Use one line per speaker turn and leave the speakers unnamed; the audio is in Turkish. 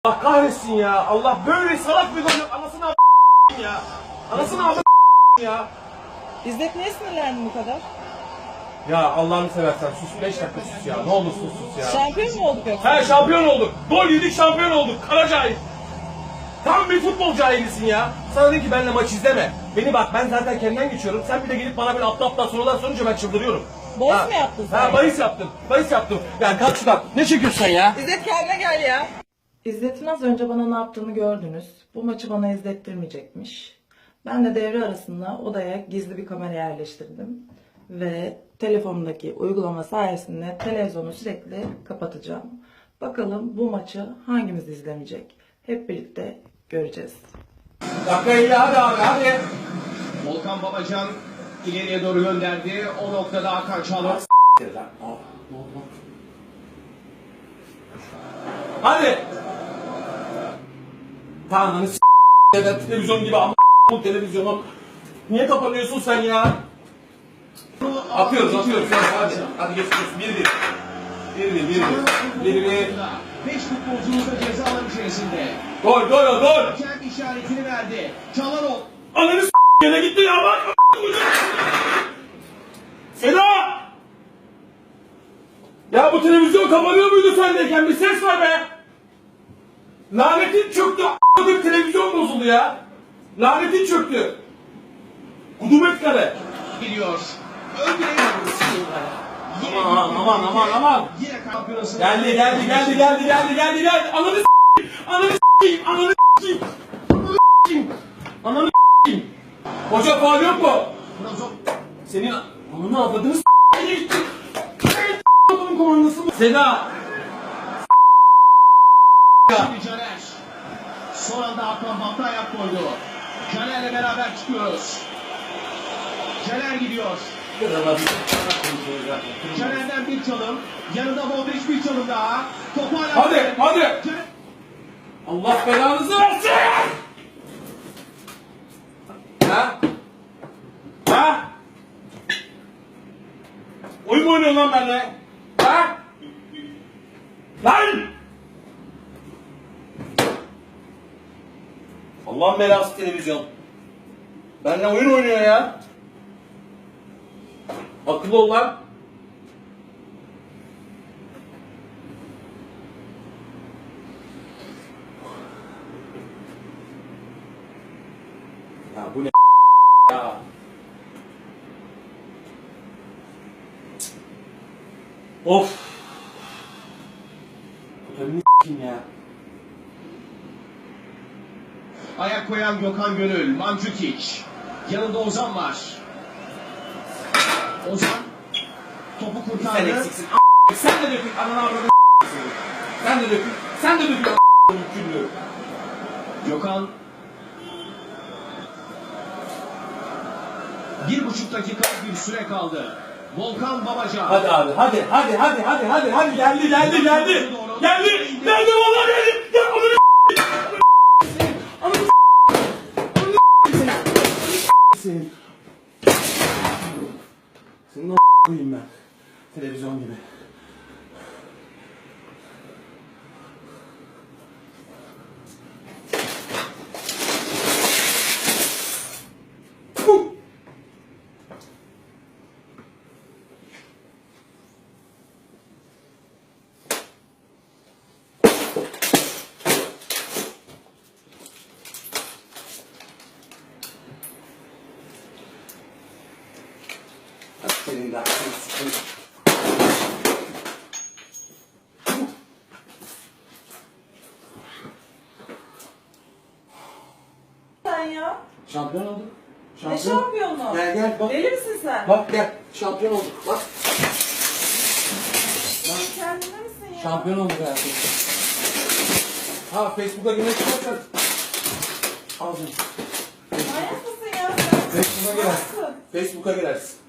Allah kahretsin ya. Allah böyle salak bir gol. Anasını ya. Anasını ya.
İzzet niye sinirlendin bu kadar?
Ya Allah'ını seversen sus 5 dakika sus ya. Ne olursun sus ya.
Şampiyon mu olduk yoksa?
He şampiyon olduk. Gol yedik şampiyon olduk. Kara cahil. Tam bir futbol cahilisin ya. Sana dedim ki benimle maç izleme. Beni bak ben zaten kendimden geçiyorum. Sen bir de gelip bana böyle aptal sorular sorunca ben çıldırıyorum.
Bahis mi yaptın sen?
Ha bahis yaptım. Bahis yaptım. Ya kalk şuradan. Ne çekiyorsun sen ya?
İzzet kendine gel ya. İzzet'in az önce bana ne yaptığını gördünüz. Bu maçı bana izlettirmeyecekmiş. Ben de devre arasında odaya gizli bir kamera yerleştirdim. Ve telefonumdaki uygulama sayesinde televizyonu sürekli kapatacağım. Bakalım bu maçı hangimiz izlemeyecek? Hep birlikte göreceğiz.
Dakika iyi hadi abi hadi.
Volkan Babacan ileriye doğru gönderdi. O noktada Hakan Çalhanoğlu.
Hadi. Tanrı'nı evet televizyon gibi ama bu televizyonu. Niye kapanıyorsun sen ya? Atıyoruz. Hadi geçiyoruz. 1-1.
5 futbolcumuz da ceza alanı içerisinde.
Gol.
Hakem işaretini verdi. Çalhanoğlu.
Ananı yine gitti ya bak. Seda! Ya bu televizyon kapanıyor muydu sendeyken? Bir ses var be! Lanetin çöktü. A**ladım televizyon bozuldu ya. Lanetin çöktü. Kudumet kare.
Gidiyor. Ön direğe
Aman.
Yine kampiyonası.
Geldi. Ananı s**eyim. Hoca faul yok mu? Senin ananı avladığını s**eyim. Adamın komandası mı? Seda.
Şimdi Caner. Son anda Hakan hata ayak koydu. Caner'le beraber çıkıyoruz. Caner gidiyor. Caner'den bir çalım. Yanında Modric bir çalım daha. Topu hala...
Hadi.
Caner...
Allah belanızı versin. Ha? Oyun mu oynuyorsun lan benimle? Ha? Lan! Allah'ın belası televizyon. Benimle oyun oynuyor ya. Akıllı ol lan. Ya bu ne ya? Of. Totalini s**eyim ya.
Ayak koyan Gökhan Gönül, Mandzukic. Yanında Ozan var. Ozan topu
Sen
kurtardı.
eksiksin. Sen de dökün. Ananı avradını Sen de dökün. Küllü.
Gökhan 1,5 dakika bir süre kaldı. Volkan Babacan.
Hadi abi hadi. Geldi vallahi geldi. Ya senin. Senin o koyayım ben. Televizyon gibi. Senin de aklını sıkın.
Sen ya?
Şampiyon olduk.
Ne şampiyonu?
Gel bak.
Deli misin sen?
Bak gel. Şampiyon olduk. Bak.
Kendine misin ya?
Şampiyon olduk hayatım. Ha Facebook'a girmek istersen. Al canım.
Manyak mısın ya sen?
Facebook'a girersin.
Nasıl?
Facebook'a girersin.